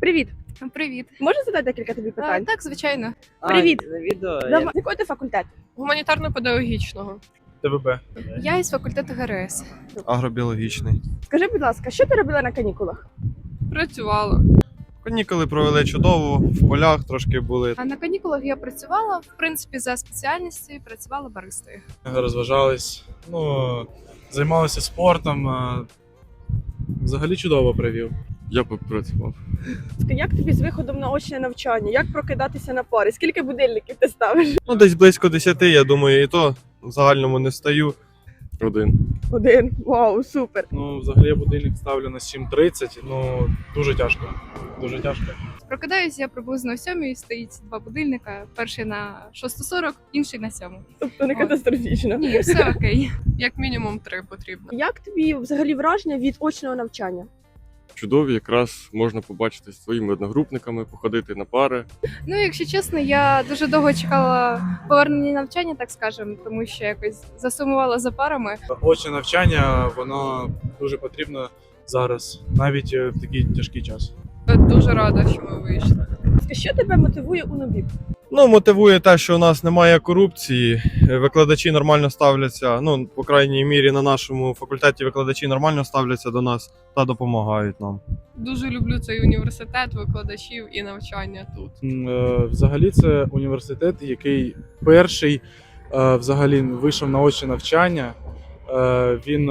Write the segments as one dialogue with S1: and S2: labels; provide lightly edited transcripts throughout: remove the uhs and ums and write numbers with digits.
S1: Привіт!
S2: Привіт.
S1: Можу задати декілька тобі питань?
S2: Так, звичайно.
S1: Привіт.
S3: Відео.
S1: З якого ти факультету?
S2: Гуманітарно-педагогічного.
S4: ТВБ.
S2: Я із факультету ГРС.
S5: Агробіологічний.
S1: Скажи, будь ласка, що ти робила на канікулах?
S2: Працювала.
S5: Канікули провели чудово, в полях трошки були.
S2: А на канікулах я працювала, в принципі, за спеціальністю, працювала баристою.
S4: Розважались, займалися спортом. Взагалі чудово провів.
S6: Я попрацював.
S1: Як тобі з виходом на очне навчання? Як прокидатися на пари? Скільки будильників ти ставиш?
S5: Десь близько 10, я думаю, і то в загальному не встаю.
S1: Один. Вау, супер.
S4: Взагалі я будильник ставлю на 7:30, дуже тяжко. Дуже тяжко.
S2: Прокидаюсь я приблизно о 7:00, стоїть два будильника. Перший на 6:40, інший на 7:00.
S1: Тобто не катастрофічно.
S2: Ні, все окей.
S7: Як мінімум 3 потрібно.
S1: Як тобі взагалі враження від очного навчання?
S6: Чудові, якраз можна побачити зі своїми одногрупниками, походити на пари.
S2: Ну, якщо чесно, я дуже довго чекала повернення навчання, так скажемо, тому що якось засумувала за парами.
S4: Очне навчання, воно дуже потрібно зараз, навіть в такий тяжкий час.
S7: Дуже рада, що ми вийшли.
S1: Що тебе мотивує у НУБІП?
S5: Мотивує те, що у нас немає корупції, викладачі нормально ставляться, по крайній мірі на нашому факультеті викладачі нормально ставляться до нас та допомагають нам.
S7: Дуже люблю цей університет, викладачів і навчання тут.
S4: Взагалі це університет, який перший взагалі вийшов на очне навчання. Він,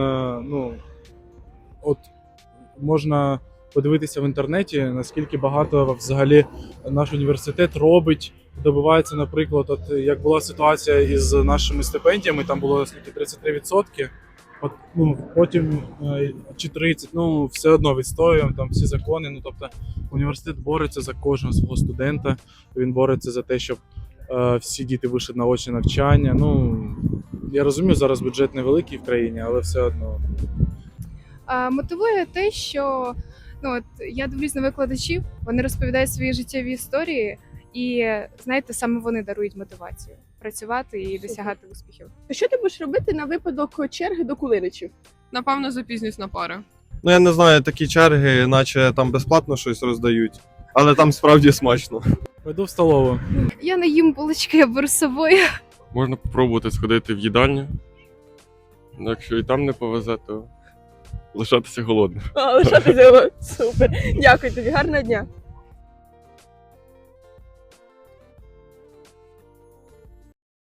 S4: можна подивитися в інтернеті, наскільки багато взагалі наш університет робить, добивається, наприклад, як була ситуація із нашими стипендіями, там було скільки 33%, потім чи 30%, все одно відстоюємо там всі закони. Тобто університет бореться за кожного свого студента, він бореться за те, щоб всі діти вийшли на очне навчання. Я розумію, зараз бюджет невеликий в країні, але все одно.
S2: Мотивує те, що я дивлюсь на викладачів, вони розповідають свої життєві історії, і знаєте, саме вони дарують мотивацію працювати і досягати успіхів.
S1: Що ти будеш робити на випадок черги до кулиничів?
S7: Напевно, запізнюсь на пари.
S5: Я не знаю, такі черги, наче там безплатно щось роздають, але там справді смачно.
S4: Пойду в столову.
S2: Я не їм булочки, я беру з собою.
S6: Можна спробувати сходити в їдальню. Якщо і там не повезе, то лишатися голодним.
S1: Лишатися. Супер. Дякую тобі, гарного дня.